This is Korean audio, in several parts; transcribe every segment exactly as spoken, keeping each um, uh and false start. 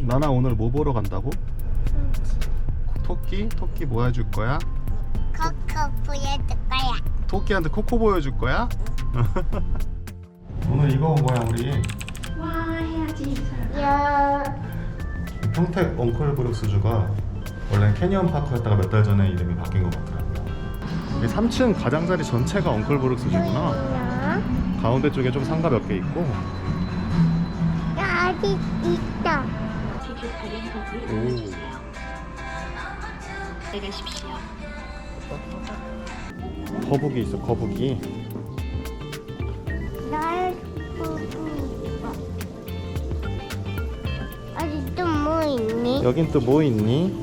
나나 오늘 뭐 보러 간다고? 토끼? 토끼 뭐 해줄 거야? 코코 보여줄 거야. 토끼한테 코코 보여줄 거야? 오늘 이거 온 거야 우리. 와 해야지. 야. 평택 엉클 브룩스주가 원래 캐니언 파크였다가 몇 달 전에 이름이 바뀐 것 같더라고요. 이 삼 층 가장자리 전체가 엉클 브룩스주구나. 야. 가운데 쪽에 좀 상가 몇 개 있고. 야, 아직 있다. 오. 내가십시오. 거북이 있어, 거북이. 날 보고 있어. 아직 또 뭐 있니? 여긴 또 뭐 있니?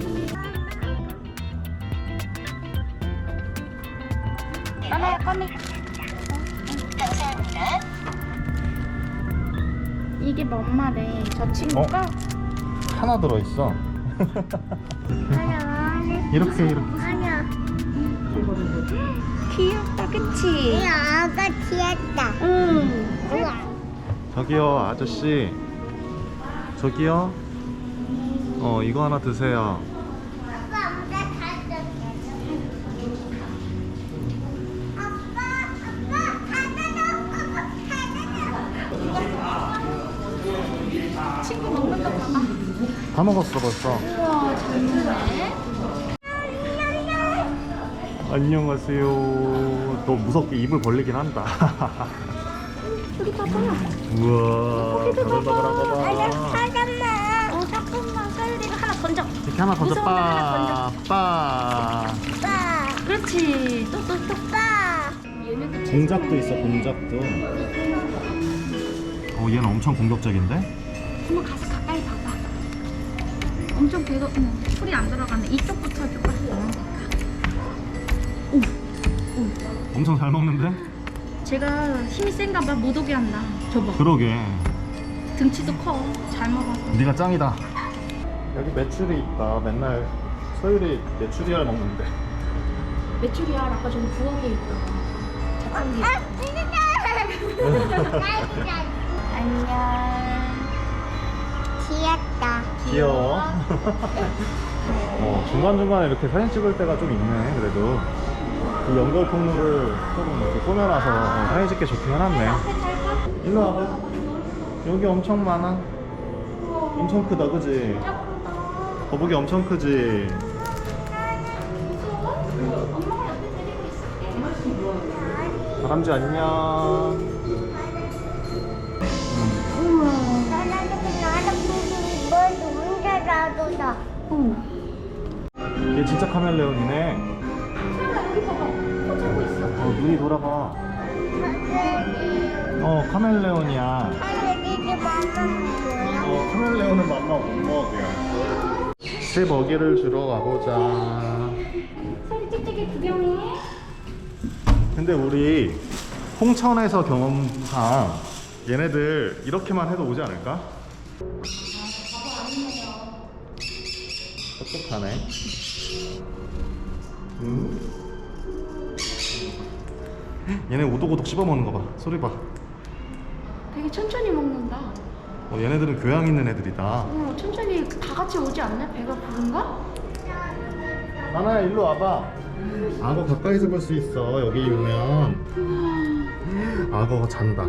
꺼내, 꺼내. 이게 뭔 말해? 저 친구가 하나 들어있어. 아니야. 이렇게 이렇게. 아니야. 귀엽다, 그치? 이 아가 귀엽다. 응. 우와. 저기요 아저씨. 저기요. 어 이거 하나 드세요. 아빠, 엄마 가져게. 아빠, 아빠, 가져줘. 친구 먹는 거 봐봐. 다 먹었어 벌써. 우와, 잘 먹네. 안녕하세요. 너 무섭게 입을 벌리긴 한다. 여기 봐봐. 우와. 저기도 바글바글한 거 봐봐. 봐. 잠깐만. 어, 잠깐만. 사유리가 하나 던져. 이렇게 하나 던져. 무서운 거 하나 빠. 빠. 아빠, 그렇지. 또, 또, 또. 아빠. 얘네도 공작도 있어. 공작도. 어 얘는 엄청 공격적인데? 한번 가서 가까이 봐봐. 엄청 배가, 어머, 풀이 안 들어가네. 이쪽부터 해줄까? 오, 오. 엄청 잘 먹는데? 제가 힘이 센가 봐. 못 오게 한다. 저봐. 그러게. 등치도 커. 잘 먹어서. 네가 짱이다. 여기 메추리 있다. 맨날 서율이 메추리알 먹는데. 메추리알 아까 저기 부엌에 있다. 자판기. 안녕. 귀엽다. 귀여워. 어, 중간중간에 이렇게 사진 찍을 때가 좀 있네. 그래도 이 연결 통로를 조금 이렇게 꾸며놔서 어, 사진 찍기 좋게 해놨네. 일로 와봐. 여기 엄청 많아. 엄청 크다, 그지? 거북이 엄청 크지? 엄마가 옆에 데리고 있을게. 다람쥐 안녕. 나나도 나도 보고 뭐 혼자 놔둬서. 얘 진짜 카멜레온이네. 여기 봐봐. 코 잡고 있어. 어, 눈이 돌아가. 어, 카멜레온이야. 하늘이 맘만 어, 카멜레온은 맘마 못 먹어요. 새 먹이를 주러 가보자. 소리 찍찍이 구경해. 근데 우리 홍천에서 경험상 얘네들 이렇게만 해도 오지 않을까? 똑똑하네. 음. 얘네 오독오독 씹어먹는 거 봐. 소리 봐. 되게 천천히 먹는다. 어, 얘네들은 교양 있는 애들이다. 어, 천천히 다 같이 오지 않나? 배가 부른가? 나나야 일로 와봐. 악어 가까이서 볼 수 있어. 여기 오면 악어가 잔다.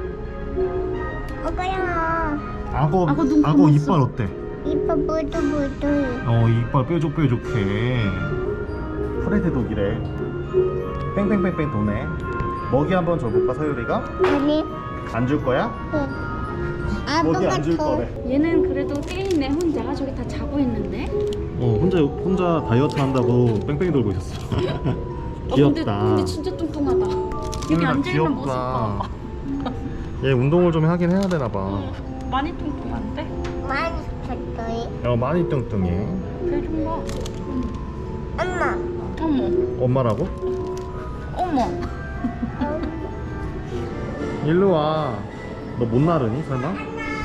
오빠야. 악어 악어 눈 악어 감았어. 이빨 어때? 이뻐 보도 보도. 어 이빨 뾰족뾰족해. 프레드 독이래. 뺑뺑뺑뺑 도네. 먹이 한번 줘볼까 서유리가? 아니. 안 줄 거야? 먹이 안 줄 거래. 얘는 그래도 깨있네 혼자. 저기 다 자고 있는데. 어 혼자 혼자 다이어트 한다고 뺑뺑이 돌고 있었어. 어, 귀엽다. 근데, 근데 진짜 뚱뚱하다. 여기 소율아, 앉아있는 모습 봐. 얘 운동을 좀 하긴 해야 되나 봐. 어, 많이 뚱뚱한데? 많이 컸더니. 어 많이 뚱뚱해. 배 좀 봐. 엄마. 어머, 엄마라고? 어머. 일로 와. 너 못 나르니 설마?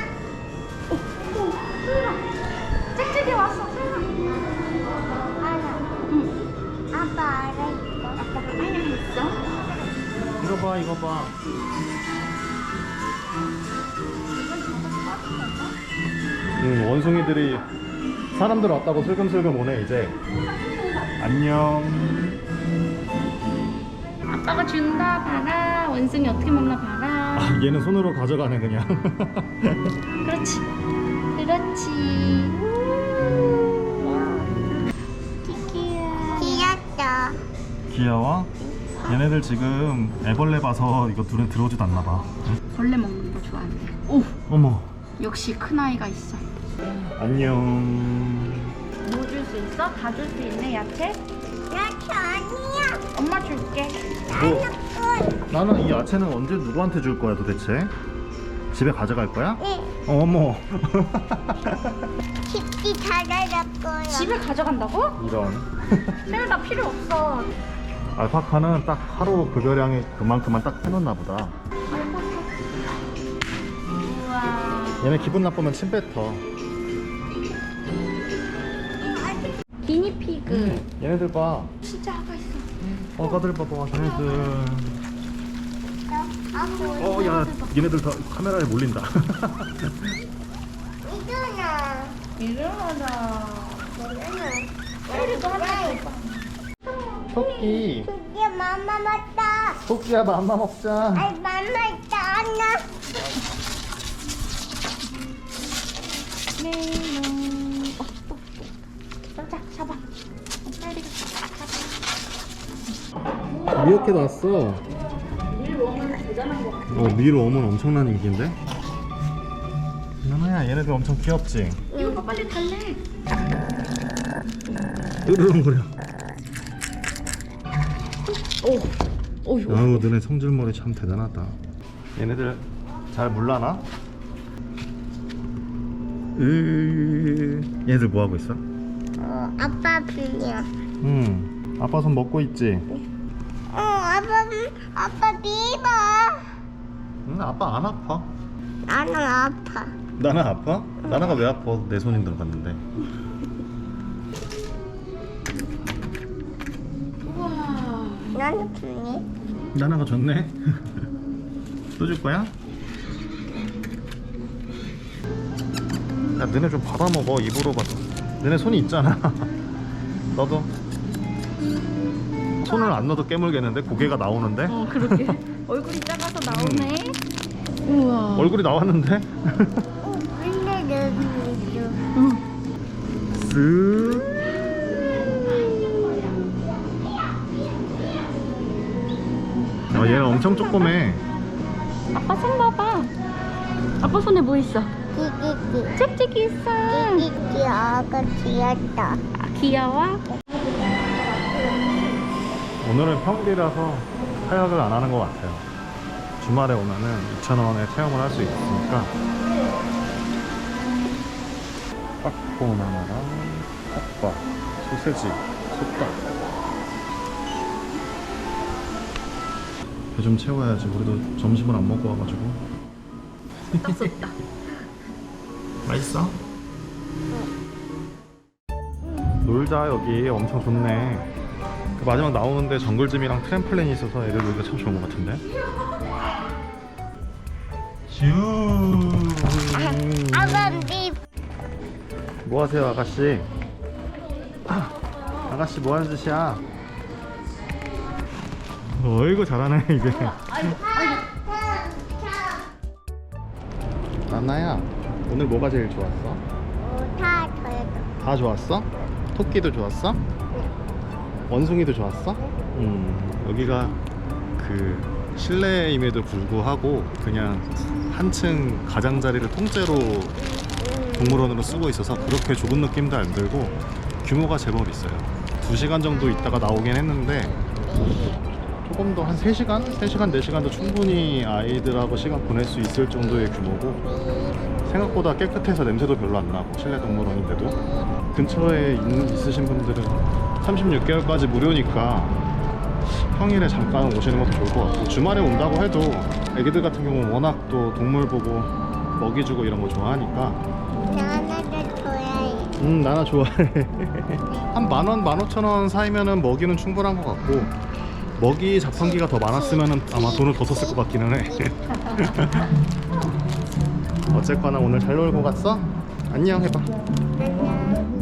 짹짹이 왔어. 알아. 응. 아빠 알아 이거. 아빠가 빨리 했어. 이거 봐 이거 봐. 음, 원숭이들이 사람들 왔다고 슬금슬금 오네 이제. 안녕. 아빠가 준다 봐라. 원숭이 어떻게 먹나 봐라. 아, 얘는 손으로 가져가네 그냥. 그렇지. 그렇지. 귀엽다. 귀여워? 얘네들 지금 애벌레 봐서 이거 둘은 들어오지도 않나 봐. 벌레 먹는 거 좋아한대. 오, 어머. 역시 큰 아이가 있어. 안녕. 뭐 줄 수 있어? 다 줄 수 있네 야채? 야채 아니야. 엄마 줄게. 뭐, 나는 이 야채는 언제 누구한테 줄 거야 도대체? 집에 가져갈 거야? 응. 어, 어머. 집기 잘할 거야. 집에 가져간다고? 이런. 세율 나 필요 없어. 알파카는 딱 하루 급여량이 그만큼만 딱 해놓나 보다. 우와. 얘네 기분 나쁘면 침 뱉어. 기니피그. 얘네들 봐. 진짜 아가 있어. 어, 가들 봐봐. 얘네들. 아, 어, 야, 얘네들 다 카메라에 몰린다. 이거나. 일어나자. 이거는. 세율이도 하나 줘. 토끼. 이게 맘마 맞다. 토끼야, 맘마 먹자. 아이 맘마 있다 안나. 메롱. 어, 또, 또. 자, 잡아. 빨리 잡아. 미어캣 왔어. 밀웜은 대단한 거 같아. 어, 밀웜은 엄청난 인기인데? 나나야, 얘네들 엄청 귀엽지? 이거 빨리 달래. 으르렁거려. 오, 오, 아우, 너네 성질머리 참 대단하다. 얘네들 잘 물라나? 으... 얘네들 뭐 하고 있어? 어 아빠 빌려. 응. 아빠 손 먹고 있지? 어 아빠 아빠 비버. 응, 아빠 안 아파. 나는 아파. 나나 아파? 나나가 왜 아파? 내 손이 들어갔는데. 우와. 나는 빌리. 나나가 좋네. 또 줄 거야? 야, 너네 좀 받아 먹어. 입으로 받아. 너네 손이 있잖아. 너도. 손을 안 넣어도 깨물겠는데? 고개가 나오는데? 어, 그러게. 얼굴이 작아서 나오네. 우와. 얼굴이 나왔는데? 어 근데 여기 있어. 응. 쓱. 아, 얘는 엄청 조그매. 아빠 손 봐봐. 아빠 손에 뭐 있어? 끼끼끼. 짝짝이 있어. 끼끼끼 아가 귀엽다. 아, 귀여워? 오늘은 평일이라서 하역을 안 하는 것 같아요. 주말에 오면은 이천 원에 체험을 할 수 있으니까. 빡콘 하나랑 핫바, 소세지, 솥밥. 배 좀 채워야지. 우리도 점심을 안 먹고 와가지고. 딱 썼다. 맛있어? 놀자. 여기 엄청 좋네. 그 마지막 나오는데 정글짐이랑 트램플린이 있어서 애들 놀기가 참 좋은 것 같은데. 슈. 아빠 비. 뭐 하세요, 아가씨? 아, 아가씨 뭐 하는 짓이야? 어이구 잘하네 이제. 나나야, 오늘 뭐가 제일 좋았어? 다 저요. 다 좋았어? 토끼도 좋았어? 원숭이도 좋았어? 음, 여기가 그 실내임에도 불구하고 그냥 한층 가장자리를 통째로 동물원으로 쓰고 있어서 그렇게 좁은 느낌도 안 들고 규모가 제법 있어요. 두 시간 정도 있다가 나오긴 했는데 조금 더 한 세 시간? 세 시간, 네 시간도 충분히 아이들하고 시간 보낼 수 있을 정도의 규모고 생각보다 깨끗해서 냄새도 별로 안 나고 실내 동물원인데도 근처에 있, 있으신 분들은 삼십육 개월까지 무료니까 평일에 잠깐 오시는 것도 좋을 것 같고 주말에 온다고 해도 애기들 같은 경우는 워낙 또 동물 보고 먹이 주고 이런 거 좋아하니까 나나도 좋아해. 음 나나 좋아해. 한 만원, 만 오천 원 사이면은 먹이는 충분한 것 같고 먹이 자판기가 더 많았으면은 아마 돈을 더 썼을 것 같기는 해. 어쨌거나 오늘 잘 놀고 갔어? 안녕 해봐. 안녕.